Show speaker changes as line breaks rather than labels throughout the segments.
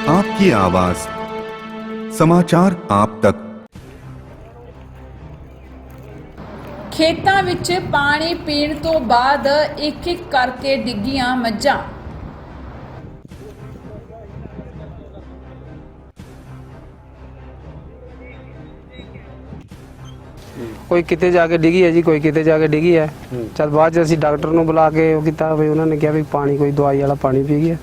आपकी आवाज, समाचार आप तक।
ਖੇਤਾਂ ਵਿੱਚ ਪਾਣੀ ਪੀਣ ਤੋਂ ਬਾਅਦ ਇੱਕ ਇੱਕ ਕਰਕੇ ਡਿੱਗੀਆਂ ਮੱਝਾਂ।
ਕੋਈ ਕਿਤੇ ਜਾ ਕੇ ਡਿੱਗੀ ਹੈ ਜੀ, ਕੋਈ ਕਿਤੇ ਜਾ ਕੇ ਡਿੱਗੀ ਹੈ। ਚਲ ਬਾਅਦ 'ਚ ਅਸੀਂ ਡਾਕਟਰ ਨੂੰ ਬੁਲਾ ਕੇ ਉਹ ਕੀਤਾ ਵੀ ਉਹਨਾਂ ਨੇ ਕਿਹਾ ਵੀ ਪਾਣੀ ਕੋਈ ਦਵਾਈ ਵਾਲਾ ਪਾਣੀ ਪੀ ਗਿਆ।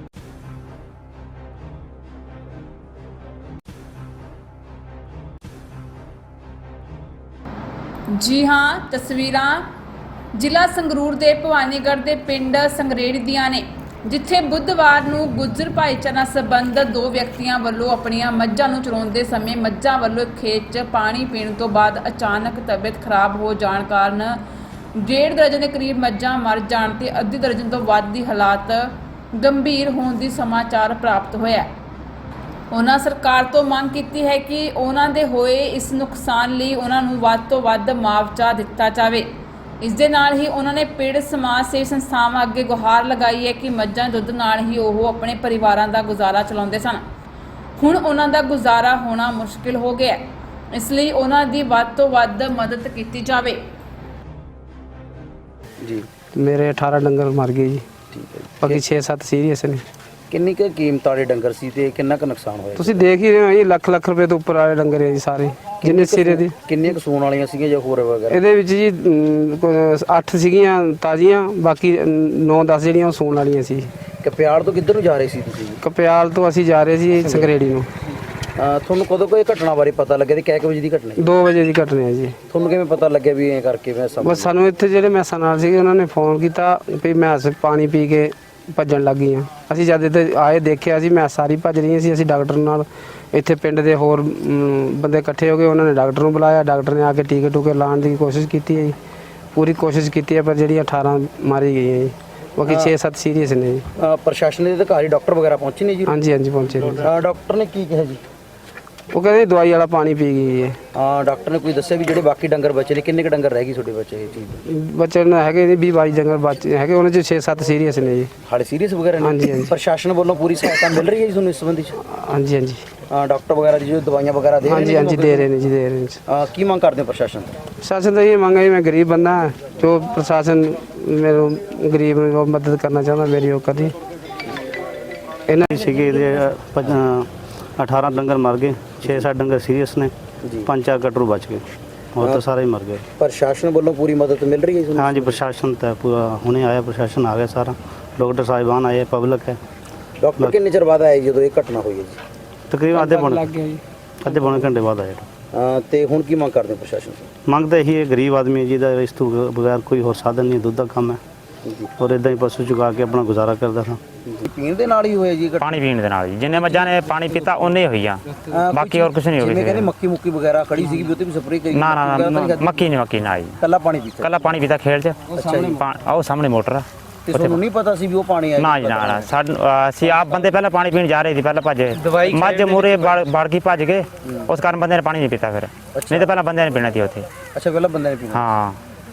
ਜੀ ਹਾਂ, ਤਸਵੀਰਾਂ ਜ਼ਿਲ੍ਹਾ ਸੰਗਰੂਰ ਦੇ ਭਵਾਨੀਗੜ੍ਹ ਦੇ ਪਿੰਡ ਸੰਗਰੇੜੀ ਦੀਆਂ ਨੇ, ਜਿੱਥੇ ਬੁੱਧਵਾਰ ਨੂੰ ਗੁੱਜਰ ਭਾਈਚਾਰਾ ਸੰਬੰਧਤ ਦੋ ਵਿਅਕਤੀਆਂ ਵੱਲੋਂ ਆਪਣੀਆਂ ਮੱਝਾਂ ਨੂੰ ਚਰਾਉਂਦੇ ਸਮੇਂ ਮੱਝਾਂ ਵੱਲੋਂ ਖੇਤ 'ਚ ਪਾਣੀ ਪੀਣ ਤੋਂ ਬਾਅਦ ਅਚਾਨਕ ਤਬੀਅਤ ਖਰਾਬ ਹੋ ਜਾਣ ਕਾਰਨ 1.5 ਦਰਜਨ ਦੇ ਕਰੀਬ ਮੱਝਾਂ ਮਰ ਜਾਣ ਤੇ ਅੱਧੀ ਦਰਜਨ ਤੋਂ ਵੱਧ ਦੀ ਹਾਲਾਤ ਗੰਭੀਰ ਹੋਣ ਦੀ ਸਮਾਚਾਰ ਪ੍ਰਾਪਤ ਹੋਇਆ। ਉਹਨਾਂ ਸਰਕਾਰ ਤੋਂ ਮੰਗ ਕੀਤੀ ਹੈ ਕਿ ਉਹਨਾਂ ਦੇ ਹੋਏ ਇਸ ਨੁਕਸਾਨ ਲਈ ਉਹਨਾਂ ਨੂੰ ਵੱਧ ਤੋਂ ਵੱਧ ਮੁਆਵਜ਼ਾ ਦਿੱਤਾ ਜਾਵੇ। ਇਸ ਦੇ ਨਾਲ ਹੀ ਉਹਨਾਂ ਨੇ ਪੀੜਤ ਸਮਾਜ ਸੇਵੀ ਸੰਸਥਾਵਾਂ ਅੱਗੇ ਗੁਹਾਰ ਲਗਾਈ ਹੈ ਕਿ ਮੱਝਾਂ ਦੁੱਧ ਨਾਲ ਹੀ ਉਹ ਆਪਣੇ ਪਰਿਵਾਰਾਂ ਦਾ ਗੁਜ਼ਾਰਾ ਚਲਾਉਂਦੇ ਸਨ। ਹੁਣ ਉਹਨਾਂ ਦਾ ਗੁਜ਼ਾਰਾ ਹੋਣਾ ਮੁਸ਼ਕਿਲ ਹੋ ਗਿਆ, ਇਸ ਲਈ ਉਹਨਾਂ ਦੀ ਵੱਧ ਤੋਂ ਵੱਧ ਮਦਦ ਕੀਤੀ ਜਾਵੇ।
ਜੀ
ਮੇਰੇ 18 ਡੰਗਰ ਮਰ ਗਏ ਜੀ,
ਠੀਕ ਹੈ।
ਬਾਕੀ 6-7 ਸੀਰੀਅਸ ਨੇ।
ਕਿੰਨੀ ਕੁ ਕੀਮਤ ਵਾਲੇ ਡੰਗਰ ਸੀ ਤੇ ਕਿੰਨਾ ਕੁ ਨੁਕਸਾਨ ਹੋਇਆ?
ਤੁਸੀਂ ਦੇਖ ਹੀ ਰਹੇ ਹੋ ਜੀ, ਲੱਖ ਰੁਪਏ ਤੋਂ ਉੱਪਰ ਵਾਲੇ ਡੰਗਰ ਹੈ ਜੀ ਸਾਰੇ, ਜਿੰਨੇ ਸਿਰੇ ਦੀ।
ਕਿੰਨੀਆਂ ਕੁ ਸੂਣ ਵਾਲੀਆਂ ਸੀਗੀਆਂ ਜਾਂ ਹੋਰ ਵਗੈਰਾ?
ਇਹਦੇ ਵਿੱਚ ਜੀ 8 ਸੀਗੀਆਂ ਤਾਜ਼ੀਆਂ, ਬਾਕੀ 9-10 ਜਿਹੜੀਆਂ ਉਹ ਸੂਣ ਵਾਲੀਆਂ ਸੀ।
ਕਪਿਆੜ ਤੋਂ ਕਿੱਧਰ ਨੂੰ ਜਾ ਰਹੇ ਸੀ ਤੁਸੀਂ?
ਕਪਿਆਲ ਤੋਂ ਅਸੀਂ ਜਾ ਰਹੇ ਸੀ ਸੰਗਰੇੜੀ ਨੂੰ।
ਤੁਹਾਨੂੰ ਕਦੋਂ ਕੋਈ ਘਟਨਾ ਬਾਰੇ ਪਤਾ ਲੱਗਿਆ ਤੇ ਕਿੰਨੇ ਵਜੇ ਦੀ ਘਟਨਾ ਹੈ?
2 ਵਜੇ ਦੀ ਘਟਨਾ ਹੈ ਜੀ।
ਤੁਹਾਨੂੰ ਕਿਵੇਂ ਪਤਾ ਲੱਗਿਆ ਵੀ ਐਂ ਕਰਕੇ ਮੈਂ
ਬਸ ਸਾਨੂੰ ਇੱਥੇ ਜਿਹੜੇ ਮੈਸਾਂ ਨਾਲ ਸੀਗੇ ਉਹਨਾਂ ਨੇ ਫੋਨ ਕੀਤਾ ਵੀ ਮੈਸ ਪਾਣੀ ਪੀ ਕੇ ਭੱਜਣ ਲੱਗ ਗਈਆਂ। ਅਸੀਂ ਜਦ ਇੱਥੇ ਆਏ ਦੇਖਿਆ ਸੀ ਮੈਸ ਸਾਰੀ ਭੱਜ ਰਹੀਆਂ ਸੀ। ਅਸੀਂ ਡਾਕਟਰ ਨਾਲ ਇੱਥੇ ਪਿੰਡ ਦੇ ਹੋਰ ਬੰਦੇ ਇਕੱਠੇ ਹੋ ਗਏ, ਉਹਨਾਂ ਨੇ ਡਾਕਟਰ ਨੂੰ ਬੁਲਾਇਆ। ਡਾਕਟਰ ਨੇ ਆ ਕੇ ਟੀਕੇ ਟੂਕੇ ਲਾਉਣ ਦੀ ਕੋਸ਼ਿਸ਼ ਕੀਤੀ ਹੈ ਜੀ, ਪੂਰੀ ਕੋਸ਼ਿਸ਼ ਕੀਤੀ ਹੈ, ਪਰ ਜਿਹੜੀਆਂ 18 ਮਾਰੀ ਗਈਆਂ ਜੀ, ਬਾਕੀ 6-7 ਸੀਰੀਅਸ ਨੇ ਜੀ।
ਪ੍ਰਸ਼ਾਸਨ ਦੇ ਅਧਿਕਾਰੀ ਡਾਕਟਰ ਵਗੈਰਾ ਪਹੁੰਚੇ ਨੇ ਜੀ?
ਹਾਂਜੀ ਪਹੁੰਚੇ ਨੇ।
ਡਾਕਟਰ ਨੇ ਕੀ ਕਿਹਾ ਜੀ?
ਉਹ ਕਹਿੰਦੇ ਦਵਾਈ ਵਾਲਾ ਪਾਣੀ ਪੀ ਗਈ ਹੈ।
ਡਾਕਟਰ ਨੇ ਕੋਈ ਦੱਸਿਆ ਵੀ ਜਿਹੜੇ ਬਾਕੀ ਡੰਗਰ ਬਚੇ ਨੇ, ਕਿੰਨੇ ਕੁ ਡੰਗਰ ਰਹਿ ਗਏ ਤੁਹਾਡੇ ਬੱਚੇ? ਇਹ ਚੀਜ਼
ਬੱਚੇ ਨੇ ਹੈਗੇ ਨੇ 20-22 ਡੰਗਰ ਬਚੇ ਹੈਗੇ, ਉਹਨਾਂ 'ਚ 6-7 ਸੀਰੀਅਸ ਨੇ ਜੀ।
ਹਾਲੇ ਸੀਰੀਅਸ ਵਗੈਰਾ ਨੇ?
ਹਾਂਜੀ।
ਪ੍ਰਸ਼ਾਸਨ ਵੱਲੋਂ ਪੂਰੀ ਸਹਾਇਤਾ ਮਿਲ ਰਹੀ ਹੈ ਜੀ ਤੁਹਾਨੂੰ ਇਸ ਸੰਬੰਧੀ 'ਚ?
ਹਾਂਜੀ।
ਡਾਕਟਰ ਵਗੈਰਾ ਦੀ ਜੋ ਦਵਾਈਆਂ ਵਗੈਰਾ ਦੇ ਰਹੇ ਨੇ?
ਹਾਂਜੀ ਦੇ ਰਹੇ ਨੇ ਜੀ, ਦੇ ਰਹੇ ਨੇ।
ਕੀ ਮੰਗ ਕਰਦੇ ਹੋ ਪ੍ਰਸ਼ਾਸਨ ਤੋਂ?
ਪ੍ਰਸ਼ਾਸਨ ਤਾਂ ਇਹ ਮੰਗ ਹੈ ਜੀ, ਮੈਂ ਗਰੀਬ ਬੰਦਾ ਹਾਂ, ਜੋ ਪ੍ਰਸ਼ਾਸਨ ਮੈਨੂੰ ਗਰੀਬ ਨੂੰ ਮਦਦ ਕਰਨਾ ਚਾਹੁੰਦਾ, ਮੇਰੀ ਉਹ ਕਰੀ। ਇਹਨਾਂ
ਸੀਗੇ 18 ਡੰਗਰ ਮਰ ਗਏ, 6-7 ਡੰਗਰ ਸੀਰੀਅਸ ਨੇ, 5-4 ਕਟਰੂ ਬਚ ਗਏ, ਹੋਰ ਤਾਂ ਸਾਰੇ ਹੀ ਮਰ ਗਏ।
ਪ੍ਰਸ਼ਾਸਨ ਵੱਲੋਂ ਪੂਰੀ ਮਦਦ ਮਿਲ ਰਹੀ ਹੈ ਤੁਹਾਨੂੰ?
ਹਾਂਜੀ ਪ੍ਰਸ਼ਾਸਨ ਤਾਂ ਪੂਰਾ ਹੁਣੇ ਆਇਆ, ਪ੍ਰਸ਼ਾਸਨ ਆ ਗਿਆ ਸਾਰਾ, ਡਾਕਟਰ ਸਾਹਿਬਾਨ ਆਏ, ਪਬਲਿਕ ਹੈ।
ਡਾਕਟਰ ਕਿੰਨੇ ਚਿਰ ਬਾਅਦ ਆਏ ਜਦੋਂ ਇਹ ਘਟਨਾ ਹੋਈ ਹੈ ਜੀ?
ਤਕਰੀਬਨ ਅੱਧੇ ਪੌਣੇ ਘੰਟੇ ਬਾਅਦ ਆਏ।
ਤੇ ਹੁਣ ਕੀ ਮੰਗ ਕਰਦੇ ਹੋ ਪ੍ਰਸ਼ਾਸਨ ਤੋਂ?
ਮੰਗ ਤਾਂ ਇਹੀ ਹੈ, ਗਰੀਬ ਆਦਮੀ ਹੈ ਜਿਹਦਾ ਇਸ ਤੋਂ ਬਗੈਰ ਕੋਈ ਹੋਰ ਸਾਧਨ ਨਹੀਂ, ਦੁੱਧ ਦਾ ਕੰਮ ਹੈ ਔਰ ਇਦਾਂ ਹੀ ਪਸ਼ੂ ਚੁਗਾ ਕੇ ਆਪਣਾ ਗੁਜ਼ਾਰਾ ਕਰਦਾ ਹਾਂ।
ਪੀਣ ਦੇ ਨਾਲ ਹੀ ਹੋਇਆ ਜੀ?
ਪਾਣੀ ਪੀਣ ਦੇ ਨਾਲ ਜੀ, ਜਿੰਨੇ ਮੱਝਾਂ ਨੇ ਪਾਣੀ ਪੀਤਾ ਉਹਨੇ ਹੋਈ ਆ, ਬਾਕੀ ਹੋਰ ਕੁਝ ਨਹੀਂ ਹੋ
ਜਿਵੇਂ ਕਹਿੰਦੇ
ਗਿਆ।
ਮੱਕੀ ਮੁੱਕੀ ਵਗੈਰਾ ਖੜੀ ਸੀਗੀ ਵੀ ਉੱਤੇ ਵੀ ਸਪਰੇਅ ਕਰੀ?
ਨਾ ਮੱਕੀ ਨਾ ਜੀ,
ਕੱਲਾ ਪਾਣੀ ਪੀਤਾ?
ਕੱਲਾ ਪਾਣੀ ਪੀਤਾ ਖੇਲ 'ਚ। ਆਹ ਸਾਹਮਣੇ ਮੋਟਰ ਆ।
ਤੇ ਤੁਹਾਨੂੰ ਨਹੀਂ ਪਤਾ ਸੀ ਵੀ ਉਹ ਪਾਣੀ ਆਇਆ?
ਨਾ ਜੀ ਨਾ, ਅਸੀਂ ਆਪ ਬੰਦੇ ਪਹਿਲਾਂ ਪਾਣੀ ਪੀਣ ਜਾ ਰਹੇ ਸੀ, ਪਹਿਲਾਂ ਭੱਜੇ, ਮੱਝ ਮੂਰੇ ਵੜ ਕੇ ਭੱਜ ਗਏ, ਉਸ ਕਾਰਨ ਬੰਦੇ ਨੇ ਪਾਣੀ ਨਹੀਂ ਪੀਤਾ। ਫਿਰ ਨਹੀਂ ਤਾਂ ਪਹਿਲਾਂ ਬੰਦੇ ਨੇ ਪੀਣਾ ਸੀ ਉੱਥੇ।
ਅੱਛਾ, ਪਹਿਲਾਂ ਬੰਦੇ ਨੇ ਪੀਣਾ?
ਹਾਂ।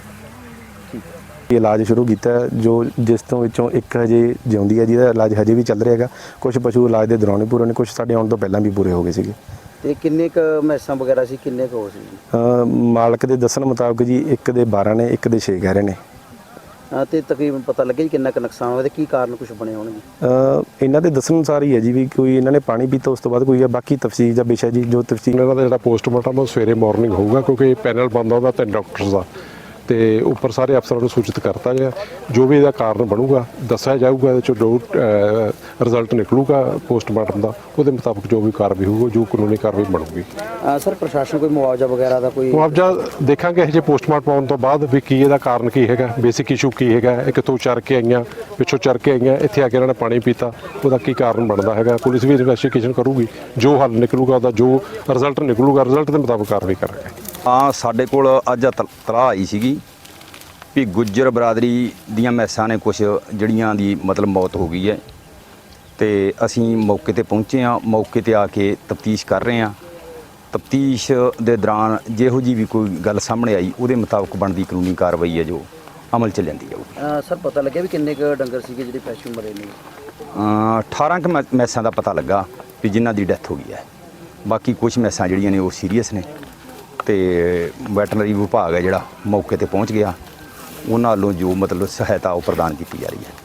ਇਲਾਜ ਸ਼ੁਰੂ ਕੀਤਾ ਜੋ ਜਿਸ ਤੋਂ ਵਿੱਚੋਂ ਇੱਕ ਹਜੇ ਜਿਉਂਦੀ ਹੈ, ਜਿਹਦਾ ਇਲਾਜ ਹਜੇ ਵੀ ਚੱਲ ਰਿਹਾ ਹੈਗਾ। ਕੁਝ ਪਸ਼ੂ ਇਲਾਜ ਦੇ ਦੌਰਾਨ ਹੀ ਪੂਰੇ ਨੇ, ਕੁਝ ਸਾਡੇ ਆਉਣ ਤੋਂ ਪਹਿਲਾਂ ਵੀ ਪੂਰੇ ਹੋ ਗਏ ਸੀਗੇ।
ਤੇ ਕਿੰਨੇ ਕ ਮੈਸਾਂ ਵਗੈਰਾ ਸੀ, ਕਿੰਨੇ ਕ ਹੋ ਸੀ?
ਮਾਲਕ ਦੇ ਦੱਸਣ ਮੁਤਾਬਕ ਜੀ ਇੱਕ ਦੇ 12 ਨੇ, ਇੱਕ ਦੇ 6 ਕਹਿ ਰਹੇ ਨੇ।
ਤੇ ਤਕਰੀਬਨ ਪਤਾ ਲੱਗਿਆ ਜੀ ਕਿੰਨਾ ਕ ਨੁਕਸਾਨ ਹੋਇਆ ਤੇ ਕੀ ਕਾਰਨ ਕੁਝ ਬਣੇ ਹੋਣਗੇ?
ਇਹਨਾਂ ਦੇ ਦੱਸਣ ਅਨੁਸਾਰ ਹੀ ਹੈ ਜੀ ਵੀ ਕੋਈ ਇਹਨਾਂ ਨੇ ਪਾਣੀ ਪੀਤਾ, ਉਸ ਤੋਂ ਬਾਅਦ ਕੋਈ ਹੈ, ਬਾਕੀ ਤਫਸੀਲ ਦਾ ਵਿਸ਼ਾ ਜੀ ਜੋ ਤਫਸੀਲ
ਇਹਨਾਂ ਦਾ ਜਿਹੜਾ ਪੋਸਟਮਾਰਟਮ ਉਹ ਸਵੇਰੇ ਮਾਰਨਿੰਗ ਹੋਊਗਾ, ਕਿਉਂਕਿ ਪੈਨਲ ਬੰਦਾ ਉਹਦਾ ਤੇ ਡਾਕਟਰਸ ਦਾ ਤੇ ਉੱਪਰ ਸਾਰੇ ਅਫਸਰਾਂ ਨੂੰ ਸੂਚਿਤ ਕਰਤਾ ਗਿਆ। ਜੋ ਵੀ ਇਹਦਾ ਕਾਰਨ ਬਣੂਗਾ ਦੱਸਿਆ ਜਾਊਗਾ, ਇਹਦੇ ਚੋਂ ਜੋ ਰਿਜ਼ਲਟ ਨਿਕਲੂਗਾ ਪੋਸਟਮਾਰਟਮ ਦਾ, ਉਹਦੇ ਮੁਤਾਬਕ ਜੋ ਵੀ ਕਾਰਵਾਈ ਹੋਊਗੀ, ਜੋ ਕਾਨੂੰਨੀ ਕਾਰਵਾਈ ਬਣੂਗੀ।
ਸਰ ਪ੍ਰਸ਼ਾਸਨ ਕੋਈ ਮੁਆਵਜ਼ਾ ਵਗੈਰਾ ਦਾ ਕੋਈ?
ਮੁਆਵਜ਼ਾ ਦੇਖਾਂਗੇ ਹਜੇ ਪੋਸਟਮਾਰਟਮ ਆਉਣ ਤੋਂ ਬਾਅਦ ਵੀ ਕੀ ਇਹਦਾ ਕਾਰਨ ਕੀ ਹੈਗਾ, ਬੇਸਿਕ ਇਸ਼ੂ ਕੀ ਹੈਗਾ, ਇਹ ਕਿੱਥੋਂ ਚਰ ਕੇ ਆਈਆਂ, ਪਿੱਛੋਂ ਚਰ ਕੇ ਆਈਆਂ, ਇੱਥੇ ਆ ਕੇ ਇਹਨਾਂ ਨੇ ਪਾਣੀ ਪੀਤਾ, ਉਹਦਾ ਕੀ ਕਾਰਨ ਬਣਦਾ ਹੈਗਾ। ਪੁਲਿਸ ਵੀ ਇਨਵੈਸਟੀਗੇਸ਼ਨ ਕਰੂਗੀ, ਜੋ ਹੱਲ ਨਿਕਲੂਗਾ ਉਹਦਾ ਜੋ ਰਿਜ਼ਲਟ ਨਿਕਲੂਗਾ, ਰਿਜ਼ਲਟ ਦੇ ਮੁਤਾਬਕ ਕਾਰਵਾਈ ਕਰਾਂਗੇ।
ਸਾਡੇ ਕੋਲ ਅੱਜ ਤਲਾਹ ਆਈ ਸੀਗੀ ਵੀ ਗੁੱਜਰ ਬਰਾਦਰੀ ਦੀਆਂ ਮੈਸਾਂ ਨੇ ਕੁਝ ਜਿਹੜੀਆਂ ਦੀ ਮਤਲਬ ਮੌਤ ਹੋ ਗਈ ਹੈ, ਤੇ ਅਸੀਂ ਮੌਕੇ ਤੇ ਪਹੁੰਚੇ ਹਾਂ। ਮੌਕੇ ਤੇ ਆ ਕੇ ਤਫਤੀਸ਼ ਕਰ ਰਹੇ ਹਾਂ। ਤਫਤੀਸ਼ ਦੇ ਦੌਰਾਨ ਜਿਹੋ ਜੀ ਵੀ ਕੋਈ ਗੱਲ ਸਾਹਮਣੇ ਆਈ, ਉਹਦੇ ਮੁਤਾਬਕ ਬਣਦੀ ਕਾਨੂੰਨੀ ਕਾਰਵਾਈ ਹੈ ਜੋ ਅਮਲ 'ਚ ਲਿਆਂਦੀ ਜਾਊਗੀ।
ਸਰ ਪਤਾ ਲੱਗਿਆ ਵੀ ਕਿੰਨੇ ਕੁ ਡੰਗਰ ਸੀਗੇ ਜਿਹੜੇ ਪਸ਼ੂ ਮਰੇ ਨੇ?
18 ਕੁ ਮੈਸਾਂ ਦਾ ਪਤਾ ਲੱਗਾ। ਵੀ ਜਿਨ੍ਹਾਂ ਦੀ ਡੈਥ ਹੋ ਗਈ ਹੈ। ਬਾਕੀ ਕੁਝ ਮੈਸਾਂ ਜਿਹੜੀਆਂ ਨੇ ਉਹ ਸੀਰੀਅਸ ਨੇ ਤੇ ਵੈਟਰਨਰੀ ਵਿਭਾਗ ਹੈ ਜਿਹੜਾ ਮੌਕੇ ਤੇ ਪਹੁੰਚ ਗਿਆ, ਉਹਨਾਂ ਵੱਲੋਂ ਜੋ ਮਤਲਬ ਸਹਾਇਤਾ ਉਹ ਪ੍ਰਦਾਨ ਕੀਤੀ ਜਾ ਰਹੀ ਹੈ।